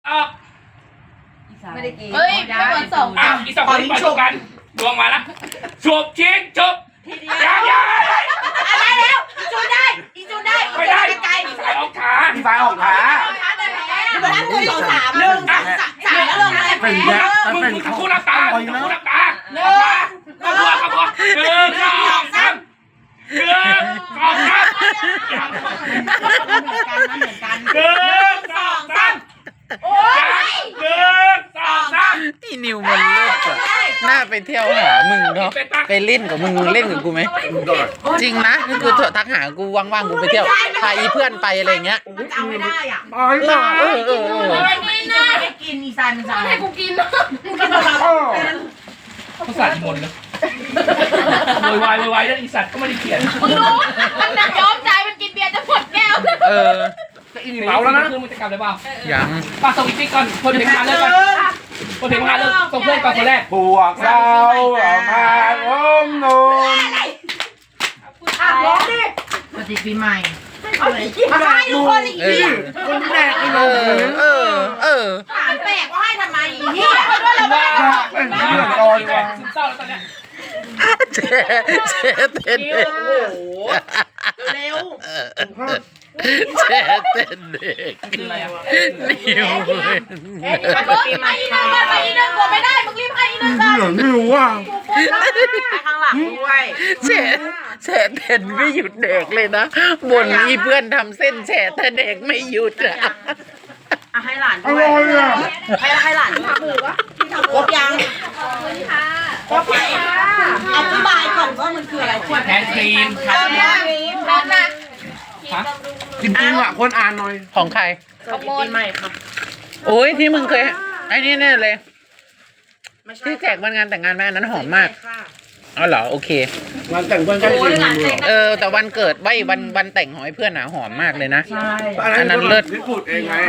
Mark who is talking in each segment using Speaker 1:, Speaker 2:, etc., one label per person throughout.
Speaker 1: ออก
Speaker 2: ไม่ได้กิน
Speaker 3: เฮ้ยไม่เหมือนสอง
Speaker 1: อ้าวอีสองคนมาชกกันดวงมาแล้วฉุบชิงฉุบ
Speaker 2: ทีเดี
Speaker 1: ยั
Speaker 2: ยว
Speaker 1: งยัง
Speaker 2: อะไรแล้วอีจูนได้อีจูนได้
Speaker 1: ไม่ได้
Speaker 2: ไกล
Speaker 1: สายออกขา
Speaker 4: พี่ฟ้าออกขา
Speaker 2: ๆนับหนึ่งสองสามหนึ่งสามแล้วลงอะไร
Speaker 4: เป็นแย่
Speaker 1: มึงทั้งคู่หลับตาทั้งคู่หลับตา
Speaker 2: หนึ่ง
Speaker 1: ขบวนหนึ่งสองสามหนึ่งสองสาม
Speaker 2: เหมือนกันนะเหมือนกัน
Speaker 1: หนึ่งสองสามโอ้ยหนึ่งสองสาม
Speaker 5: อีนิวมันเลิศอะน่าไปเที่ยวหามึงเนาะไปเล่นกับมึงเล่นกับกูไหมจริงนะนี่คือทักหากูว่างๆกูไปเที่ยวพาอีเพื่อนไปอะไรเงี้ย
Speaker 2: มันจะเอาไม่ได้อ่ะ
Speaker 4: ตายตาย
Speaker 2: ไม่ได้กินอีซายมันจะ
Speaker 3: ให้กูกินนะ
Speaker 2: มึงกินเรา
Speaker 1: เขาสาดมนต์เลยโวยวายแล้วอีสัตว์ก็ไม่ได้เขียน
Speaker 3: มึงรู้มันน่ะยอมใจมันกินเบียร์จะหมดแก้ว
Speaker 4: อีเมาแล้วนะ
Speaker 1: คือมึงจะกลับเลยเปล่า
Speaker 5: ยัง
Speaker 1: ป้าส่งอีกทีก่อนคนถึงงานเลิกก่อนคนถึงงานเลิกส่งเพื่อนก่อนคนแรก
Speaker 4: พวกเรามาล้มนุน
Speaker 2: ร้องดิปฏิปีใหม่มาให้ทุกคนอีกที
Speaker 4: คนแรกไอ้
Speaker 5: เอ
Speaker 4: โน่
Speaker 5: อ
Speaker 2: ถามแปลกว่าให้ทำไมอีเหี้ย
Speaker 1: ว่าเป็นเรื่องตอนซึมเศร้าแล้วตอนเนี้ย
Speaker 5: เจ๊เต้นเด็ก
Speaker 2: เร็ว
Speaker 5: เจ๊เต้นเด็ก
Speaker 1: คืออะไรอ่ะ
Speaker 5: นิว
Speaker 3: ไปอีนึงเลยไปอีนึงกลัวไม่ได้มึงรีบไปอีนึงก่อน
Speaker 4: เหลืองนิวว่ะ
Speaker 2: ไปข้างหลังด้วย
Speaker 5: เจ๊เต้นไม่หยุดเด็กเลยนะบ่นอีเพื่อนทำเส้นแฉะแต่เด็กไม่หยุดอะ
Speaker 2: ให้หลาน
Speaker 4: อร่อยอ่ะ
Speaker 2: ให้หลานทำมือวะครบยัง
Speaker 3: ขอบคุณค่ะ
Speaker 2: ครบอธิบายก่อนว่ามันคืออะไรขวด
Speaker 1: แทนครีม
Speaker 2: เออเนี่ย
Speaker 3: พร้อมนะ
Speaker 4: จริงๆอ่ะคนอ่านหน่อย
Speaker 5: ของใคร
Speaker 2: ขโมยใหม่ค่ะ
Speaker 5: โอ้ยที่มึงเคยไอ้นี่แน่เลยที่แจกวันงานแต่งงานแม่อันนั้นหอมมากอ๋อเหรอโอเค
Speaker 4: งานแต่งเพื่อนใกล้จริง
Speaker 5: แต่วันเกิดวันแต่งของไอ้เพื่อนหนาหอมมากเลยนะ
Speaker 4: อันนั้นเลิศที่สุดเองไง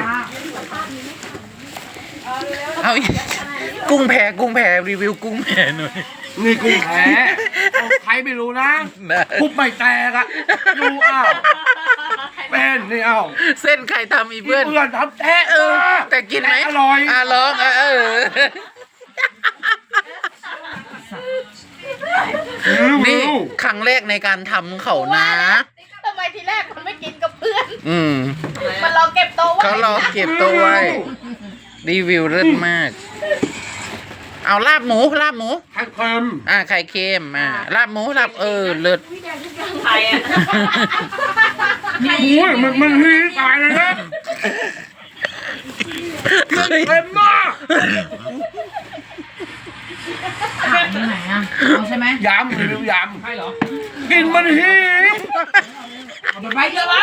Speaker 5: เอาอีกกุ้งแพรีวิวกุ้งแพหน่อย
Speaker 4: นี่กูแพ้ใครไม่รู้นะทุบไม่แตกอ่ะดูอ้าวเป็นนี่อ้าว
Speaker 5: เส้นใครทำอีเพื่อน
Speaker 4: เพื่อนทำแท้
Speaker 5: แต่กินไหม
Speaker 4: อร่อย
Speaker 5: ลองนี่ครั้งแรกในการทำเขานะ
Speaker 3: ทำไมทีแรกมันไม่กินกับเพื่อน มันรอเก็บโต๊ะไว้
Speaker 5: เขารอเก็บตัวไว้รีวิวเลิศมาก เอาลาบหมู
Speaker 4: ไข่เค็ม
Speaker 5: ไข่เค็มลาบหมูเลิศ
Speaker 2: ใครอ่ะ
Speaker 4: โอ้ยมันฮีตายเลยนะเค็มมาก
Speaker 2: ขายที่ไหนอ่ะเอาใช่ไหม
Speaker 4: ยำรีวิวย
Speaker 1: ใช่เหรอ
Speaker 4: ำกินมันฮี
Speaker 2: เอาไปไว้เยอะวะ